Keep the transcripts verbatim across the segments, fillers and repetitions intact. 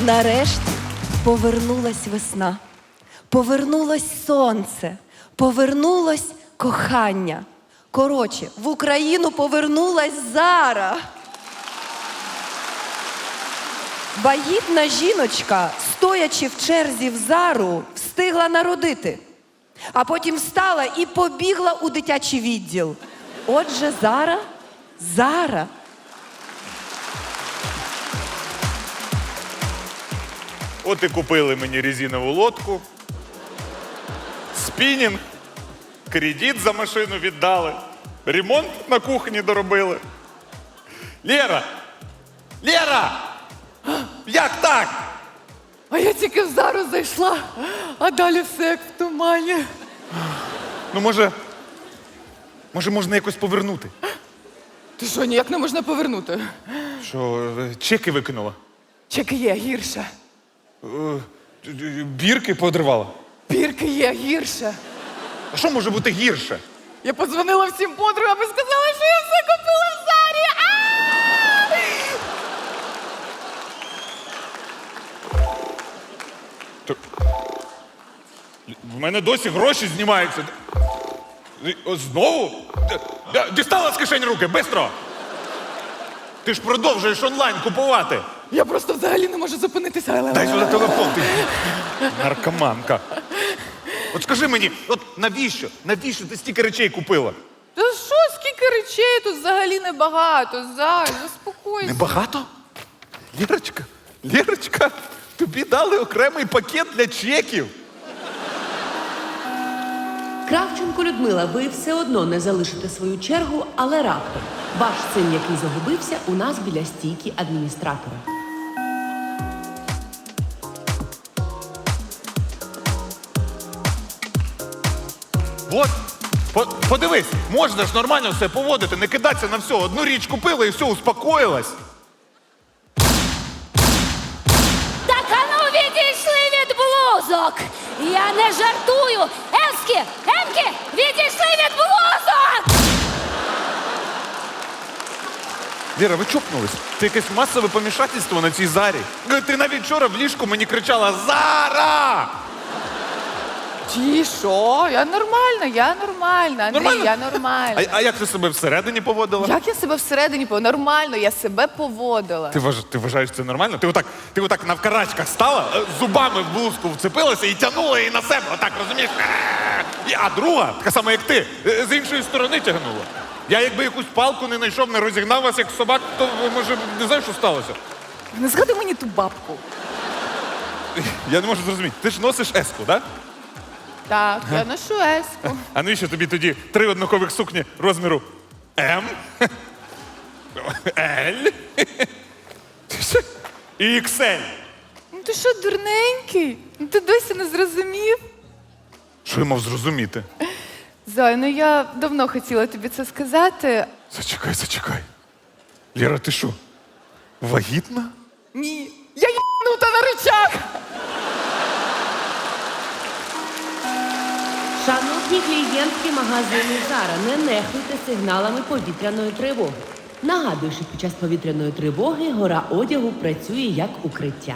Нарешті повернулась весна, повернулось сонце, повернулось кохання. Коротше, в Україну повернулась Зара. Вагітна жіночка, стоячи в черзі в Зару, встигла народити. А потім встала і побігла у дитячий відділ. Отже, Зара, Зара. От і купили мені резинову лодку, спінінг, кредит за машину віддали, ремонт на кухні доробили. Лєра! Лєра! Як так? А я тільки в Зару зайшла, а далі все як в тумані. Ну, може, може, можна якось повернути? Ти що, ніяк не можна повернути? Що, е, чеки викинула? Чеки є гірше. Е, Бірки подривала? Бірки є гірше. А що може бути гірше? Я подзвонила всім подругам і сказала, що я все купила в Зарі. А! То... В мене досі гроші знімаються. О, знову? Д- д- Дістала з кишень руки, бистро! Ти ж продовжуєш онлайн купувати. Я просто взагалі не можу зупинитися. Дай сюди телефон, ти наркоманка. От скажи мені, от навіщо? Навіщо ти стільки речей купила? Та що, скільки речей, тут взагалі небагато. Зай, заспокойся. Небагато? Лєрочка, Лєрочка, тобі дали окремий пакет для чеків. Кравченко Людмила, ви все одно не залишите свою чергу, але раптом. Ваш син, який загубився, у нас біля стійки адміністратора. От, по- подивись, можна ж нормально все поводити, не кидатися на все. Одну річ купила і все, успокоїлась. Так, а ну відійшли від блузок! Я не жартую! Емські! Емки! Відійшли від блузок! Віра, ви чокнулись? Це якесь масове помішательство на цій Зарі. Ти навіть вчора в ліжку мені кричала «Зара!» Ті, що? Я нормальна, я нормальна, Андрій, Нормально? я нормальна. А, а як ти себе всередині поводила? Як я себе всередині поводила? Нормально, я себе поводила. Ти, вваж... ти вважаєш це нормально? Ти отак, ти отак навкарачках стала, е, зубами в блузку вцепилася і тягнула її на себе. Отак, розумієш? І- А друга, така сама як ти, е, з іншої сторони тягнула. Я якби якусь палку не знайшов, не розігнав вас як собак, то може не знаю, що сталося. Не згадай мені ту бабку. Я не можу зрозуміти. Ти ж носиш еску, так? Так, я ношу еску. А навіщо тобі тоді три однакових сукні розміру М, Л і ікс ель? Ну ти що, дурненький? Ну ти досі не зрозумів? Що я мав зрозуміти? Зай, ну я давно хотіла тобі це сказати. Зачекай, зачекай. Лєра, ти що, вагітна? Ні, я їбнута на речах! Шановні клієнтки магазину Зара, не нехтуйте сигналами повітряної тривоги. Нагадую, що під час повітряної тривоги гора одягу працює як укриття.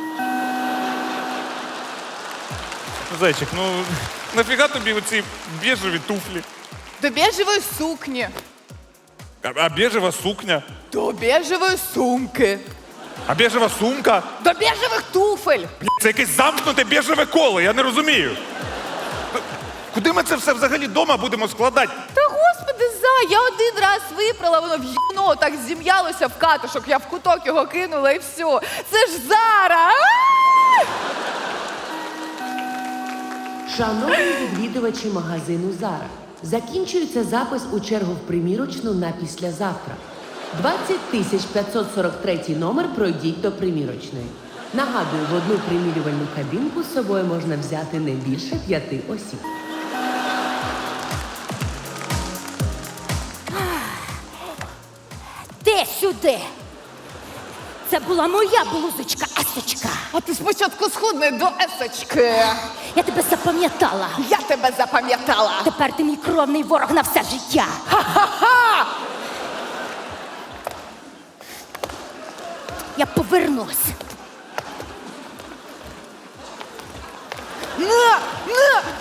Зайчик, ну нафіга тобі оці біжеві туфлі? До біжевої сукні, А, а біжева сукня? до біжевої сумки, А біжева сумка? до біжевих туфель. Бля, це якесь замкнуте біжеве коло, я не розумію. Куди ми це все взагалі вдома будемо складати? Та господи, Зай, я один раз випрала, воно в'їбно так зім'ялося в катушок, я в куток його кинула і все. Це ж Зара! А! Шановні відвідувачі магазину Зара, закінчується запис у чергу в примірочну на післязавтра. двадцять тисяч п'ятсот сорок третій номер пройдіть до примірочної. Нагадую, в одну примірювальну кабінку з собою можна взяти не більше п'яти осіб. Ти сюди! Це була моя блузочка, есочка. А ти спочатку схудни до есочки. Я тебе запам'ятала. Я тебе запам'ятала. Тепер ти мій кровний ворог на все життя. Ха-ха-ха! Я повернусь.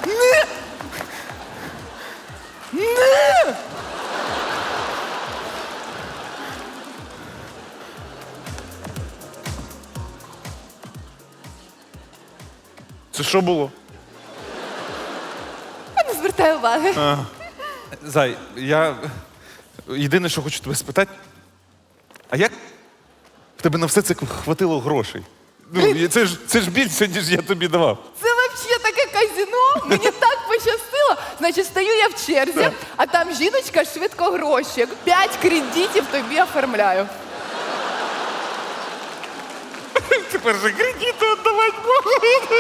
Це що було? Я не звертаю уваги. Зай, я єдине, що хочу тебе спитати, а як в тебе на все це хватило грошей? Ну, і це ж, це ж більше, ніж я тобі давав. Це взагалі таке казино. Мені так пощастило. Значить, стою я в черзі, а там жіночка швидко гроші. П'ять кредитів тобі оформляю. Тепер же кредити віддавати можу.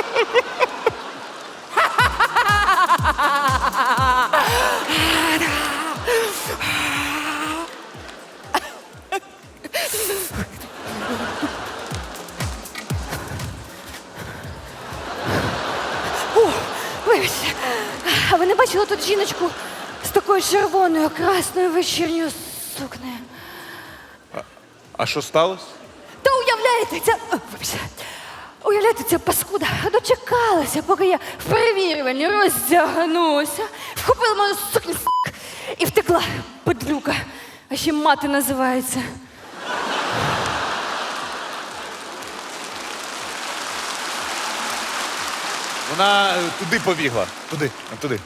Вибачте, а ви не бачили тут жіночку з такою червоною красною вечірньою сукнею? А що сталося? Та уявляєте, ця... О, вибачте. Уявляєте, ця паскуда дочекалася, поки я в перевірюванні роздягнуся, вхопила мою сукню с**к, і втекла, подлюка. А ще мати називається. Вона е, туди побігла. Туди, а, туди.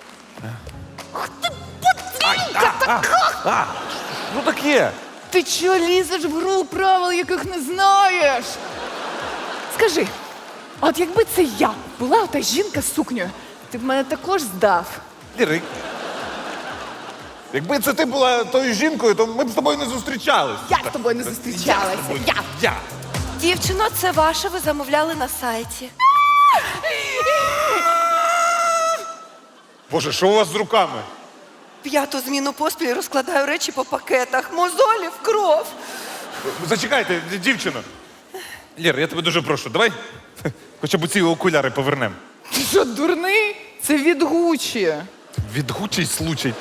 Ну так є. Ти чого лізеш в гру правил, яких не знаєш? Скажи, а от якби це я була та жінка з сукнею, ти б мене також здав. Ліри. Якби це ти була тою жінкою, то ми б з тобою не зустрічались. Я з тобою не зустрічалася. Я. Я. Дівчино, це ваше, ви замовляли на сайті. Боже, що у вас з руками? П'яту зміну поспіль розкладаю речі по пакетах. Мозолі в кров. Зачекайте, дівчино. Лір, я тебе дуже прошу, давай хоча б ці окуляри повернемо. Ти що, дурний? Це від Гуччі. Відгучий случай.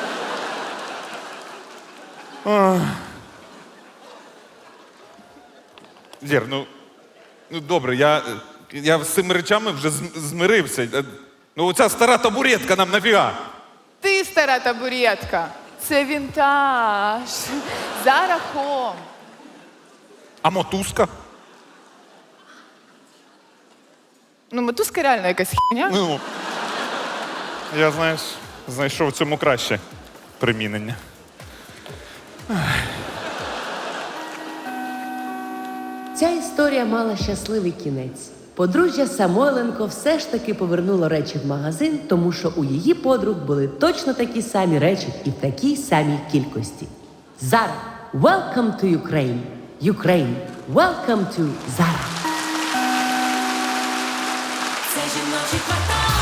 Ах. Лєр, ну, ну добре, я, я з цими речами вже з- змирився. Е, Ну, оця стара табуретка нам нафіга. Ти стара табуретка. Це вінтаж. Зара Хом. А мотузка? Ну, мотузка реально якась хіня. Ну, я, знаєш, знайшов в цьому краще примінення. Ця історія мала щасливий кінець. Подружжя Самойленко все ж таки повернуло речі в магазин, тому що у її подруг були точно такі самі речі і в такій самій кількості. Zara, welcome to Ukraine. Ukraine, welcome to Zara. Це жіночий квартал.